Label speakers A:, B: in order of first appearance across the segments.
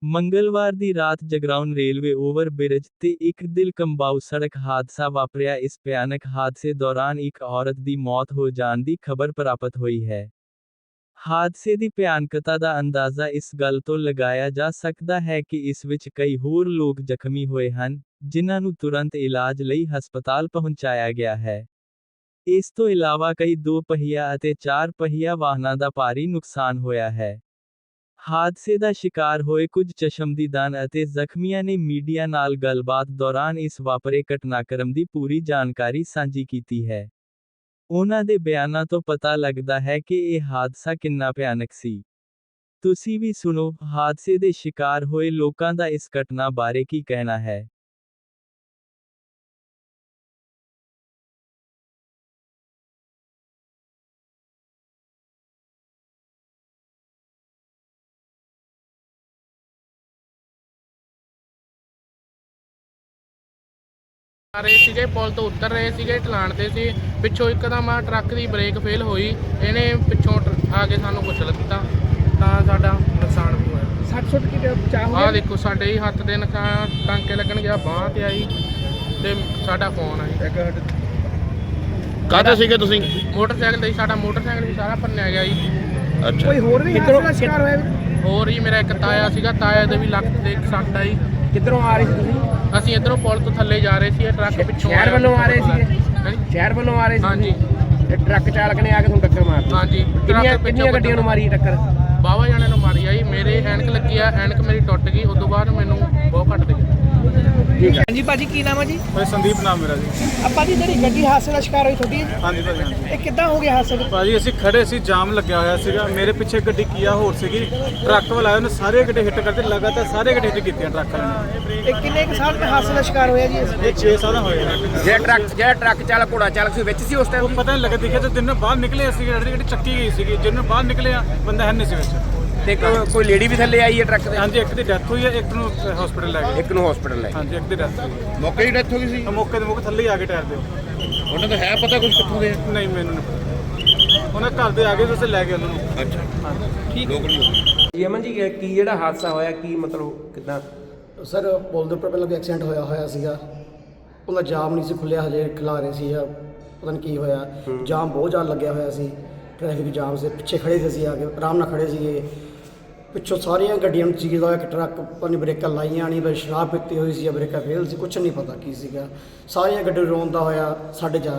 A: ਮੰਗਲਵਾਰ ਦੀ ਰਾਤ Jagraon railway over bridge ਤੇ ਇੱਕ ਦਿਲ ਕੰਬਾਊ ਸੜਕ ਹਾਦਸਾ ਵਾਪਰਿਆ। ਇਸ ਭਿਆਨਕ ਹਾਦਸੇ ਦੌਰਾਨ ਇੱਕ ਔਰਤ ਦੀ ਮੌਤ ਹੋ ਜਾਣ ਦੀ ਖਬਰ ਪ੍ਰਾਪਤ ਹੋਈ ਹੈ। ਹਾਦਸੇ ਦੀ ਭਿਆਨਕਤਾ ਦਾ ਅੰਦਾਜ਼ਾ ਇਸ ਗੱਲ ਤੋਂ ਲਗਾਇਆ ਜਾ ਸਕਦਾ ਹੈ ਕਿ ਇਸ ਵਿੱਚ ਕਈ ਹੋਰ ਲੋਕ ਜ਼ਖਮੀ ਹੋਏ ਹਨ, ਜਿਨ੍ਹਾਂ ਨੂੰ ਤੁਰੰਤ ਇਲਾਜ ਲਈ ਹਸਪਤਾਲ ਪਹੁੰਚਾਇਆ ਗਿਆ ਹੈ। ਇਸ ਤੋਂ ਇਲਾਵਾ ਕਈ 2 ਪਹੀਆ ਅਤੇ 4 ਪਹੀਆ ਵਾਹਨਾਂ ਦਾ ਭਾਰੀ ਨੁਕਸਾਨ ਹੋਇਆ ਹੈ। ਹਾਦਸੇ ਦਾ ਸ਼ਿਕਾਰ ਹੋਏ ਕੁਝ ਚਸ਼ਮਦੀਦਾਂ ਅਤੇ ਜ਼ਖਮੀਆਂ ਨੇ ਮੀਡੀਆ ਨਾਲ ਗੱਲਬਾਤ ਦੌਰਾਨ ਇਸ ਵਾਪਰੇ ਘਟਨਾਕ੍ਰਮ ਦੀ ਪੂਰੀ ਜਾਣਕਾਰੀ ਸਾਂਝੀ ਕੀਤੀ ਹੈ। ਉਹਨਾਂ ਦੇ ਬਿਆਨਾਂ ਤੋਂ ਪਤਾ ਲੱਗਦਾ ਹੈ ਕਿ ਇਹ ਹਾਦਸਾ ਕਿੰਨਾ ਭਿਆਨਕ ਸੀ। ਤੁਸੀਂ ਵੀ ਸੁਣੋ, ਹਾਦਸੇ ਦੇ ਸ਼ਿਕਾਰ ਹੋਏ ਲੋਕਾਂ ਦਾ ਇਸ ਘਟਨਾ ਬਾਰੇ ਕੀ ਕਹਿਣਾ ਹੈ।
B: ਆ ਰਹੇ ਸੀਗੇ, ਪੁਲ ਤੋਂ ਉਤਰ ਰਹੇ ਸੀਗੇ, ਢਲਾਣ ਤੇ ਸੀ। ਪਿੱਛੋਂ ਇੱਕਦਮ ਆ ਟਰੱਕ ਦੀ ਬ੍ਰੇਕ ਫੇਲ ਹੋਈ, ਇਹਨੇ ਪਿੱਛੋਂ ਆ ਕੇ ਸਾਨੂੰ ਕੁਚਲ ਦਿੱਤਾ, ਤਾਂ ਸਾਡਾ ਨੁਕਸਾਨ ਵੀ ਹੋਇਆ।
C: 60 ਕੀ ਚਾਹ
B: ਆਹ ਦੇਖੋ, ਸਾਡੇ ਹੀ ਹੱਥ ਦੇ ਟਾਂਕੇ ਲੱਗਣ ਗਿਆ, ਬਾਂਹ ਤੇ ਆਈ ਤੇ ਸਾਡਾ ਫੋਨ ਆਈ।
D: ਕਾਹਦੇ ਸੀਗੇ ਤੁਸੀਂ?
B: ਮੋਟਰਸਾਈਕਲ ਤੇ ਸਾਡਾ ਮੋਟਰਸਾਈਕਲ ਵੀ ਸਾਰਾ ਭੰਨਿਆ ਗਿਆ ਜੀ।
D: ਅੱਛਾ,
C: ਕੋਈ ਹੋਰ ਵੀ ਹਾਦਸੇ ਦਾ ਸ਼ਿਕਾਰ ਹੋਇਆ?
B: ਹੋਰ ਹੀ ਮੇਰਾ ਇੱਕ ਤਾਇਆ ਸੀਗਾ, ਤਾਇਆ ਦੇ ਵੀ ਲੱਕ ਤੇ ਇੱਕ ਸੱਟ ਆਈ।
C: ਕਿੱਧਰੋਂ ਆ ਰਹੇ ਸੀ ਤੁਸੀਂ?
B: ਅਸੀਂ ਇੱਧਰੋਂ ਪੁਲ ਤੋਂ ਥੱਲੇ ਜਾ ਰਹੇ ਸੀ, ਇਹ ਟਰੱਕ ਪਿੱਛੋਂ
C: ਸ਼ਹਿਰ ਵੱਲੋਂ ਆ ਰਹੇ ਸੀਗੇ?
B: ਹਾਂਜੀ
C: ਸ਼ਹਿਰ ਵੱਲੋਂ ਆ ਰਹੇ ਸੀ?
B: ਹਾਂਜੀ
C: ਤੇ ਟਰੱਕ ਚਾਲਕ ਨੇ ਆ ਕੇ ਤੁਹਾਨੂੰ ਟੱਕਰ ਮਾਰਤੀ?
B: ਹਾਂਜੀ।
C: ਕਿੰਨੀਆਂ ਗੱਡੀਆਂ ਨੂੰ ਮਾਰੀ ਟੱਕਰ?
B: ਬਾਵਾ ਜਾਣੇ ਨੂੰ ਮਾਰੀ ਆਈ। ਮੇਰੇ ਐਨਕ ਲੱਗੀ ਆ, ਐਨਕ ਮੇਰੀ ਟੁੱਟ ਗਈ। ਉਸ ਤੋਂ ਬਾਅਦ ਮੈਨੂੰ ਬਹੁਤ ਘੱਟ ਗਈ।
C: ਠੀਕ ਹੈ ਜੀ। ਭਾਜੀ ਕੀ ਨਾਮ ਹੈ ਜੀ?
E: ਭਾਈ ਸੰਦੀਪ ਨਾਮ ਮੇਰਾ ਜੀ।
C: ਆਪਾਂ ਜੀ ਜਿਹੜੀ ਗੱਡੀ ਹਾਦਸੇ ਦਾ ਸ਼ਿਕਾਰ ਹੋਈ ਤੁਹਾਡੀ ਹੈ?
E: ਹਾਂਜੀ ਭਾਜੀ, ਹਾਂਜੀ
C: ਇਹ ਕਿੱਦਾਂ ਹੋ ਗਿਆ ਹਾਦਸਾ?
E: ਭਾਜੀ ਅਸੀਂ ਖੜੇ ਸੀ, ਜਾਮ ਲੱਗਿਆ ਹੋਇਆ ਸੀਗਾ। ਮੇਰੇ ਪਿੱਛੇ ਗੱਡੀ ਕੀਆ ਹੋਰ ਸੀਗੀ, ਟਰੱਕ ਵਾਲਾ ਆਇਆ, ਉਹਨੇ ਸਾਰੇ ਗੱਡੇ ਹਿੱਟ ਕਰਦੇ, ਲਗਾਤਾਰ ਸਾਰੇ ਗੱਡੇ ਹਿੱਟ ਕੀਤੀਆਂ ਟਰੱਕ ਵਾਲੇ ਨੇ।
C: ਇਹ ਕਿੰਨੇ ਕੁ ਸਾਲ ਦਾ ਹਾਦਸੇ ਦਾ ਸ਼ਿਕਾਰ ਹੋਇਆ ਜੀ?
E: ਇਹ 6 ਸਾਲ ਹੋਏ ਨੇ।
C: ਜਿਹੜਾ ਟਰੱਕ ਚਾਲਕ ਘੋੜਾ ਚਾਲਕ ਸੀ ਵਿੱਚ ਸੀ ਉਸ
E: ਉਹ ਪਤਾ ਨਹੀਂ ਲੱਗਾ, ਦੇਖਿਆ ਤਾਂ ਦਿਨ ਬਾਹਰ ਨਿਕਲੇ ਅਸੀਂ, ਗੱਡੀ ਚੱਕੀ ਗਈ ਸੀਗੀ, ਜਿਹਨੂੰ ਬਾਹਰ ਨਿਕਲੇ ਆ ਬੰਦਾ ਹੈ ਨਹੀਂ ਸੀ ਵਿੱਚ।
C: ਤੇ ਕੋਈ ਲੇਡੀ ਵੀ ਥੱਲੇ ਆਈ ਹੈ ਟਰੱਕ ਦੇ?
E: ਹਾਂਜੀ, ਇੱਕ ਦੀ ਡੈਥ ਹੋਈ ਹੈ, ਇੱਕ ਨੂੰ ਹਸਪੀਟਲ ਲੈ ਗਏ।
C: ਇੱਕ ਨੂੰ ਹਸਪੀਟਲ ਲੈ?
E: ਹਾਂਜੀ, ਇੱਕ ਦੀ ਡੈਥ ਹੋਈ।
D: ਮੌਕੇ ਦੀ ਡੈਥ ਹੋ ਗਈ ਸੀ?
E: ਮੌਕੇ ਦੇ ਥੱਲੇ ਹੀ ਆ ਕੇ ਟਾਇਰ ਦੇ।
D: ਉਹਨਾਂ ਦਾ ਹੈ ਪਤਾ ਕੁਝ ਕਿੱਥੋਂ ਦੇ?
E: ਨਹੀਂ, ਮੈਨੂੰ ਨਹੀਂ ਪਤਾ। ਉਹਨਾਂ ਘਰ ਦੇ ਆ ਗਏ, ਤੁਸੀਂ ਲੈ ਗਏ ਉਹਨਾਂ ਨੂੰ।
D: ਅੱਛਾ,
E: ਹਾਂਜੀ
C: ਠੀਕ
D: ਲੋਕਲ
C: ਜੀ। ਅਮਨ ਜੀ ਕੀ ਜਿਹੜਾ ਹਾਦਸਾ ਹੋਇਆ, ਕੀ ਮਤਲਬ ਕਿੱਦਾਂ?
F: ਸਰ, ਪੁਲ ਦੇ ਉੱਪਰ ਪਹਿਲਾਂ ਕੋਈ ਐਕਸੀਡੈਂਟ ਹੋਇਆ ਸੀਗਾ। ਉਹਦਾ ਜਾਮ ਨਹੀਂ ਸੀ ਖੁੱਲਿਆ, ਹਜੇ ਖਿਲਾ ਰਹੇ ਸੀ, ਪਤਾ ਨਹੀਂ ਕੀ ਹੋਇਆ। ਜਾਮ ਬਹੁਤ ਜ਼ਿਆਦਾ ਲੱਗਿਆ ਹੋਇਆ ਸੀ, ਟ੍ਰੈਫਿਕ ਜਾਮ ਸੀ। ਪਿੱਛੇ ਖੜੇ ਸੀ ਅਸੀਂ, ਆ ਕੇ ਆਰਾਮ ਨਾਲ ਖੜੇ ਸੀਗੇ। ਪਿੱਛੋਂ ਸਾਰੀਆਂ ਗੱਡੀਆਂ ਨੂੰ ਚੀਰਦਾ ਹੋਇਆ ਇੱਕ ਟਰੱਕ, ਪਤਾ ਨਹੀਂ ਬ੍ਰੇਕਾਂ ਲਾਈਆਂ ਨਹੀਂ, ਬਸ ਸ਼ਰਾਬ ਪੀਤੀ ਹੋਈ ਸੀ ਜਾਂ ਬ੍ਰੇਕਾਂ ਫੇਲ ਸੀ, ਕੁਛ ਨਹੀਂ ਪਤਾ ਕੀ ਸੀਗਾ। ਸਾਰੀਆਂ ਗੱਡੀਆਂ ਰੋਂਦਾ ਹੋਇਆ 4:30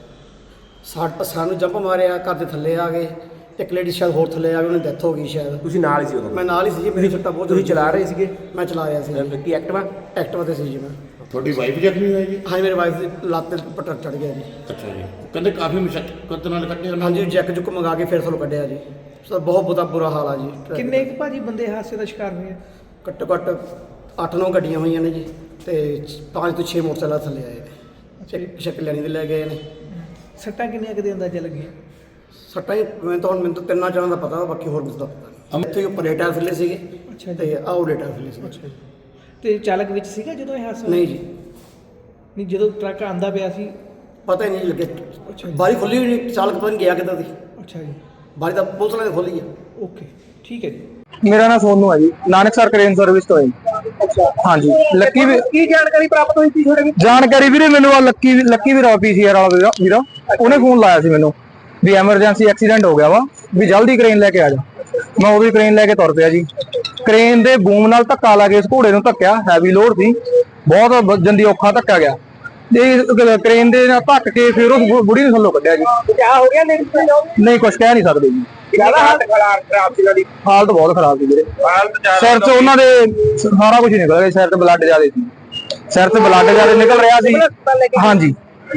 F: ਵਜੇ ਸਾਨੂੰ ਜੰਪ ਮਾਰਿਆ, ਘਰ ਦੇ ਥੱਲੇ ਆ ਗਏ। ਇੱਕ ਲੇਡੀ ਸ਼ਾਇਦ ਹੋਰ ਥੱਲੇ ਆ ਗਈ, ਉਹਨੇ ਡੈਥ ਹੋ ਗਈ ਸ਼ਾਇਦ।
C: ਤੁਸੀਂ ਨਾਲ ਹੀ ਸੀ ਉਦੋਂ?
F: ਮੈਂ ਨਾਲ ਹੀ ਸੀ ਜੀ, ਮੇਰੀ ਸੱਟਾਂ ਬਹੁਤ।
C: ਤੁਸੀਂ ਚਲਾ ਰਹੇ ਸੀਗੇ?
F: ਮੈਂ ਚਲਾ ਰਿਹਾ ਸੀ ਜੀ।
C: ਕੀ ਐਕਟਿਵਾ?
F: ਐਕਟਿਵਾ ਤੇ ਸੀ ਜੀ ਮੈਂ।
D: ਤੁਹਾਡੀ ਵਾਈਫ ਜ਼ਖਮੀ ਹੋਈ ਜੀ?
F: ਹਾਂਜੀ, ਮੇਰੀ ਵਾਈਫ ਦੀ ਲੱਤ ਤੇ ਉੱਪਰ ਟਰੱਕ ਚੜ੍ਹ ਗਿਆ ਜੀ।
D: ਅੱਛਾ ਜੀ, ਕਹਿੰਦੇ ਕਾਫੀ ਮੁਸ਼ੱਕਤ ਨਾਲ ਕੱਢਿਆ ਉਹਨਾਂ
F: ਹਾਂਜੀ, ਜੈਕ ਜੁੱਕ ਮੰਗਾ ਕੇ ਫਿਰ ਤੁਹਾਨੂੰ ਕੱਢਿਆ ਜੀ। ਸਰ ਬਹੁਤ ਬੁਰਾ ਹਾਲ ਆ ਜੀ।
C: ਕਿੰਨੇ ਕੁ ਭਾਜੀ ਬੰਦੇ ਹਾਦਸੇ ਦਾ ਸ਼ਿਕਾਰ ਹੋਏ?
F: ਘੱਟੋ ਘੱਟ 8-9 ਗੱਡੀਆਂ ਹੋਈਆਂ ਨੇ ਜੀ, ਤੇ 5 ਤੋਂ 6 ਮੋਟਰਸਾਈਕਲ ਥੱਲੇ ਆਏ ਨੇ। ਇੱਕ ਸ਼ਕਲਿਆਣੀ ਦੇ ਲੈ ਗਏ ਨੇ।
C: ਸੱਟਾਂ ਕਿੰਨੀਆਂ ਕੁ ਦੇ ਅੰਦਾਜ਼ਾ ਲੱਗੀਆਂ?
F: ਸੱਟਾਂ ਹੀ ਮੈਨੂੰ ਤਾਂ 3 ਚਾਰਾਂ ਦਾ ਪਤਾ, ਬਾਕੀ ਹੋਰ ਕੁਝ ਦਾ ਪਤਾ ਨਹੀਂ। ਇੱਥੇ ਉੱਪਰ ਟਾਇਰ ਥੱਲੇ ਸੀਗੇ।
C: ਅੱਛਾ ਜੀ।
F: ਤੇ ਆਹ ਟਾਇਰ ਥੱਲੇ ਸੀਗੇ।
C: ਅੱਛਾ ਜੀ। ਤੇ ਚਾਲਕ ਵਿੱਚ ਸੀਗਾ ਜਦੋਂ ਇਹ ਹਾਦਸਾ?
F: ਨਹੀਂ ਜੀ,
C: ਨਹੀਂ, ਜਦੋਂ ਟਰੱਕ ਆਂਦਾ ਪਿਆ ਸੀ?
F: ਪਤਾ ਹੀ ਨਹੀਂ ਲੱਗੇ।
C: ਅੱਛਾ ਜੀ।
F: ਬਾਰੀ ਖੁੱਲੀ ਹੋਈ ਨਹੀਂ, ਚਾਲਕ ਪਤਾ ਨਹੀਂ ਗਿਆ ਕਿੱਦਾਂ ਦੀ।
C: ਅੱਛਾ ਜੀ।
F: ਬਾਰੀ ਤਾਂ ਪੁਲਿਸ ਵਾਲਿਆਂ ਨੇ ਖੋਲੀ ਆ।
C: ਓਕੇ, ਠੀਕ ਹੈ ਜੀ।
G: ਮੇਰਾ ਨਾਮ ਸੋਨੂ ਹੈ ਜੀ, ਨਾਨਕਸਰ ਕ੍ਰੇਨ ਸਰਵਿਸ ਤੋਂ ਹੈ। ਅੱਛਾ, ਹਾਂਜੀ। ਲੱਕੀ ਵੀ
C: ਕੀ ਜਾਣਕਾਰੀ ਪ੍ਰਾਪਤ ਹੋਈ ਸੀ ਤੁਹਾਡੇ?
G: ਜਾਣਕਾਰੀ ਵੀਰੇ ਮੈਨੂੰ ਆ ਲੱਕੀ ਵੀਰਾ ਪੀਸੀਆਰ ਵਾਲਾ ਵੀਰਾ, ਉਹਨੇ ਫੋਨ ਲਾਇਆ ਸੀ ਮੈਨੂੰ ਵੀ ਐਮਰਜੈਂਸੀ ਐਕਸੀਡੈਂਟ ਹੋ ਗਿਆ ਵਾ, ਵੀ ਜਲਦੀ ਕ੍ਰੇਨ ਲੈ ਕੇ ਆ ਜਾ। ਮੈਂ ਉਦੋਂ ਹੀ ਕ੍ਰੇਨ ਲੈ ਕੇ ਤੁਰ ਪਿਆ ਜੀ। ਕ੍ਰੇਨ ਦੇ ਬੂਮ ਨਾਲ ਧੱਕਾ ਲਾ ਕੇ ਇਸ ਘੋੜੇ ਨੂੰ ਧੱਕਿਆ, ਹੈਵੀ ਲੋਡ ਸੀ, ਬਹੁਤ ਜੰਦੀ ਔਖਾ ਧੱਕਾ ਗਿਆ। ਤੇ ਕ੍ਰੇਨ ਦੇ ਨਾਲ ਧੱਕ ਕੇ ਫਿਰ ਉਸ ਬੁੜੀ ਨੂੰ ਥੱਲੋਂ ਕੱਢਿਆ ਜੀ।
C: ਕਿਆ ਹੋ ਗਿਆ?
G: ਨਹੀਂ, ਕੁਝ ਕਹਿ ਨਹੀਂ ਸਕਦੇ ਜੀ।
C: ਹਾਲਤ ਖਰਾਬ ਸੀ ਉਹਦੀ?
G: ਹਾਲਤ ਬਹੁਤ ਖਰਾਬ ਸੀ ਵੀਰੇ। ਸਿਰ ਤੋਂ ਉਹਨਾਂ ਦੇ ਸਾਰਾ ਕੁਝ ਨਿਕਲ ਗਿਆ, ਸਿਰ ਤੇ ਬਲੱਡ ਜ਼ਿਆਦਾ ਸੀ, ਸਿਰ ਤੇ ਬਲੱਡ ਜ਼ਿਆਦਾ ਨਿਕਲ ਰਿਹਾ ਸੀ। ਹਾਂਜੀ,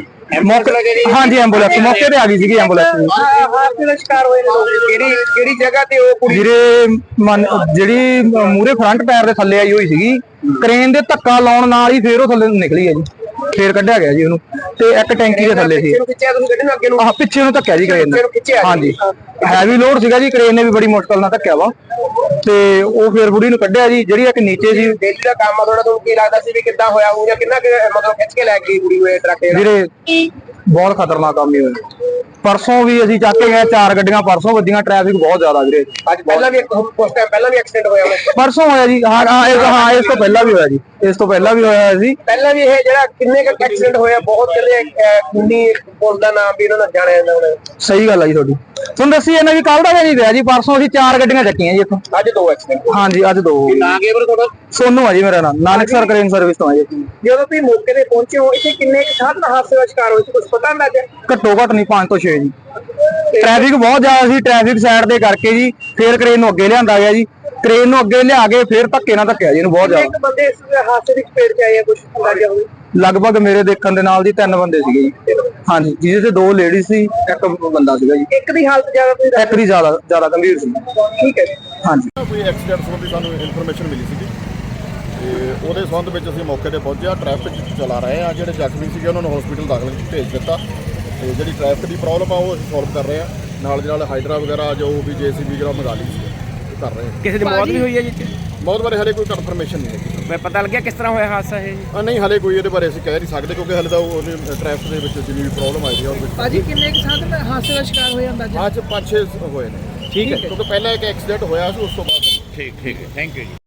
G: ਹਾਂਜੀ, ਐਂਬੂਲੈਂਸ ਮੌਕੇ ਤੇ ਆ ਗਈ ਸੀਗੀ। ਐਂਬੂਲੈਂਸ
C: ਹਾਦਸੇ ਦਾ ਸ਼ਿਕਾਰ ਹੋਏ ਨੇ ਕਿਹੜੀ ਜਗ੍ਹਾ ਤੇ? ਉਹ ਕੁੜੀ
G: ਵੀਰੇ ਜਿਹੜੀ ਮੂਰੇ ਫਰੰਟ ਪੈਰ ਦੇ ਥੱਲੇ ਆਈ ਹੋਈ ਸੀਗੀ, ਕ੍ਰੇਨ ਦੇ ਧੱਕਾ ਲਾਉਣ ਨਾਲ ਹੀ ਫੇਰ ਉਹ ਥੱਲੇ ਨਿਕਲੀ ਹੈ ਜੀ, ਫੇਰ ਕੱਢਿਆ ਗਿਆ ਜੀ ਉਹਨੂੰ। ਤੇ ਇੱਕ ਟੈਂਕੀ ਦੇ ਥੱਲੇ ਸੀ।
C: ਪਿੱਛੇ ਨੂੰ
G: ਪਿੱਛੇ ਨੂੰ ਧੱਕਿਆ ਜੀ ਕ੍ਰੇਨ ਨੇ। ਹਾਂਜੀ। ਹੈਵੀ ਲੋਡ ਸੀਗਾ ਜੀ, ਕ੍ਰੇਨ ਨੇ ਵੀ ਬੜੀ ਮੁਸ਼ਕਲ ਨਾਲ ਧੱਕਿਆ ਵਾ ਤੇ ਉਹ ਫਿਰ ਬੁੜੀ ਨੂੰ ਕੱਢਿਆ ਜੀ। ਜਿਹੜੀ ਇੱਕ ਨੀਚੇ ਸੀ
C: ਡੇਲੀ ਦਾ ਕੰਮ ਆ ਥੋੜਾ, ਤੁਹਾਨੂੰ ਕੀ ਲੱਗਦਾ ਸੀ ਵੀ ਕਿੱਦਾਂ ਹੋਇਆ ਹੋਊ ਜਾਂ ਕਿੰਨਾ ਮਤਲਬ ਖਿੱਚ ਕੇ ਲੈ ਗਈ ਕੁੜੀ ਨੂੰ ਇਹ ਟਰੱਕ ਜਿਹੜਾ?
G: ਵੀਰੇ ਬਹੁਤ ਖਤਰਨਾਕ ਕੰਮ ਹੀ ਹੋਇਆ। ਪਰਸੋਂ ਵੀ ਅਸੀਂ ਚੱਕ ਕੇ ਗਏ 4 ਗੱਡੀਆਂ ਪਰਸੋਂ ਵੱਜੀਆਂ, ਟ੍ਰੈਫਿਕ ਬਹੁਤ ਜ਼ਿਆਦਾ ਵੀਰੇ।
C: ਅੱਜ ਪਹਿਲਾਂ ਵੀ ਉਸ ਟਾਈਮ ਪਹਿਲਾਂ ਵੀ ਐਕਸੀਡੈਂਟ ਹੋਇਆ ਹੋਇਆ?
G: ਪਰਸੋਂ ਹੋਇਆ ਜੀ, ਹਾਂ ਇਸ ਤੋਂ ਪਹਿਲਾਂ ਵੀ ਹੋਇਆ ਜੀ, ਇਸ ਤੋਂ ਪਹਿਲਾਂ ਵੀ ਹੋਇਆ ਸੀ।
C: ਪਹਿਲਾਂ ਵੀ ਇਹ ਜਿਹੜਾ ਕਿੰਨੇ ਕੁ ਐਕਸੀਡੈਂਟ ਹੋਇਆ, ਬਹੁਤ ਕਹਿੰਦੇ ਖੂਨੀ ਪੁਲ ਦਾ ਨਾਮ ਵੀ ਇਹਨਾਂ ਨਾਲ ਜਾਣਿਆ ਜਾਂਦਾ ਹੁਣ।
G: ਸਹੀ ਗੱਲ ਆ ਜੀ ਤੁਹਾਡੀ। ਤੁਹਾਨੂੰ ਦੱਸੀ ਇਹਨਾਂ ਵੀ ਕੱਲ ਦਾ ਨਹੀਂ ਪਿਆ ਜੀ, ਪਰਸੋਂ ਅਸੀਂ 4 ਗੱਡੀਆਂ ਚੱਕੀਆਂ ਜੀ ਇੱਥੋਂ।
C: ਅੱਜ 2 ਐਕਸੀਡੈਂਟ?
G: ਹਾਂਜੀ ਅੱਜ 2 ਹੋ ਗਏ।
C: ਨਾ ਕੇਵਲ ਤੁਹਾਡਾ?
G: ਸੋਨੂ ਆ ਜੀ ਮੇਰਾ ਨਾਮ, ਨਾਨਕਸਰ ਕ੍ਰੇਨ ਸਰਵਿਸ ਤੋਂ ਆ ਜੀ।
C: ਜਦੋਂ ਤੁਸੀਂ ਮੌਕੇ ਤੇ ਪਹੁੰਚੇ ਹੋ, ਇੱਥੇ ਕਿੰਨੇ ਕੁ ਸਾਧਨ ਹਾਦਸੇ ਦਾ ਸ਼ਿਕਾਰ ਹੋਏ ਸੀ, ਕੁਝ ਪਤਾ ਅੰਦਾਜ਼ਾ?
G: ਘੱਟੋ ਘੱਟ ਨਹੀਂ 5 ਤੋਂ 6 ਜੀ। ਟ੍ਰੈਫਿਕ ਬਹੁਤ ਜ਼ਿਆਦਾ ਸੀ, ਟ੍ਰੈਫਿਕ ਸਾਈਡ ਦੇ ਕਰਕੇ ਜੀ ਫਿਰ ਕ੍ਰੇਨ ਨੂੰ ਅੱਗੇ ਲਿਆਂਦਾ ਗਿਆ ਜੀ। ਕ੍ਰੇਨ ਨੂੰ ਅੱਗੇ ਲਿਆ ਕੇ ਫਿਰ ਧੱਕੇ ਨਾਲ ਧੱਕਿਆ ਜੀ ਇਹਨੂੰ ਬਹੁਤ ਜ਼ਿਆਦਾ।
C: ਕਿੰਨੇ ਕੁ ਬੰਦੇ ਇਸ ਹਾਦਸੇ ਦੀ ਚਪੇਟ ਚ ਆਏ ਆ, ਕੁਝ ਅੰਦਾਜ਼ਾ ਹੋਵੇ?
G: ਲਗਭਗ ਮੇਰੇ ਦੇਖਣ ਦੇ ਨਾਲ ਜੀ 3 ਬੰਦੇ ਸੀਗੇ ਜੀ। ਹਾਂਜੀ, ਜਿਹਦੇ ਤੇ 2 ਲੇਡੀ ਸੀ, ਇੱਕ ਬੰਦਾ ਸੀਗਾ ਜੀ।
C: ਇੱਕ ਦੀ ਹਾਲਤ ਜ਼ਿਆਦਾ ਤੁਸੀਂ
G: ਇੱਕ ਦੀ ਜ਼ਿਆਦਾ ਗੰਭੀਰ ਸੀ।
C: ਠੀਕ ਹੈ।
G: ਹਾਂਜੀ।
H: ਕੋਈ ਐਕਸੀਡੈਂਟ ਸੰਬੰਧੀ ਸਾਨੂੰ ਇਨਫੋਰਮੇਸ਼ਨ ਮਿਲੀ ਸੀਗੀ ਤੇ ਉਹਦੇ ਸੰਬੰਧ ਵਿੱਚ ਅਸੀਂ ਮੌਕੇ ਤੇ ਪਹੁੰਚੇ ਹਾਂ। ਟ੍ਰੈਫਿਕ ਚਲਾ ਰਹੇ ਹਾਂ, ਜਿਹੜੇ ਜ਼ਖਮੀ ਸੀਗੇ ਉਹਨਾਂ ਨੂੰ ਹਸਪੀਟਲ ਦਾਖਲ ਭੇਜ ਦਿੱਤਾ ਤੇ ਜਿਹੜੀ ਟ੍ਰੈਫਿਕ ਦੀ ਪ੍ਰੋਬਲਮ ਆ ਉਹ ਅਸੀਂ ਸੋਲਵ ਕਰ ਰਹੇ ਹਾਂ। ਨਾਲ ਦੀ ਨਾਲ ਹਾਈਡਰਾ ਵਗੈਰਾ ਜੋ ਵੀ JCB ਵਗੈਰਾ ਮੰਗਾ ਲਈ ਸੀ, ਉਹ ਕਰ ਰਹੇ ਹਾਂ।
I: ਕਿਸੇ ਦੀ ਮੌਤ ਵੀ ਹੋਈ ਹੈ ਜੀ?
H: ਬਹੁਤ ਬਾਰੇ ਹਲੇ ਕੋਈ ਕਨਫਰਮੇਸ਼ਨ ਨਹੀਂ ਹੈਗੀ।
I: ਮੈਂ ਪਤਾ ਲੱਗਿਆ ਕਿਸ ਤਰ੍ਹਾਂ ਹੋਇਆ ਹਾਦਸਾ ਇਹ ਜੀ?
H: ਨਹੀਂ ਹਲੇ ਕੋਈ ਇਹਦੇ ਬਾਰੇ ਅਸੀਂ ਕਹਿ ਨਹੀਂ ਸਕਦੇ ਕਿਉਂਕਿ ਹਲੇ ਤਾਂ ਉਹਨੇ ਟ੍ਰੈਫਿਕ ਦੇ ਵਿੱਚ ਜਿੰਨੀ ਵੀ ਪ੍ਰੋਬਲਮ ਆਈ ਹੈ ਉਹਦੇ ਵਿੱਚ
C: ਭਾਜੀ ਕਿੰਨੇ ਕੁ ਸਾਧਨ ਹਾਦਸੇ ਦਾ ਸ਼ਿਕਾਰ ਹੋਇਆ ਅੰਦਾਜ਼ਾ?
H: ਅੱਜ 5-6 ਹੋਏ ਨੇ।
I: ਠੀਕ ਹੈ।
H: ਕਿਉਂਕਿ ਪਹਿਲਾਂ ਇੱਕ ਐਕਸੀਡੈਂਟ ਹੋਇਆ ਸੀ, ਉਸ ਤੋਂ ਬਾਅਦ
D: ਠੀਕ ਹੈ, ਥੈਂਕ ਯੂ ਜੀ।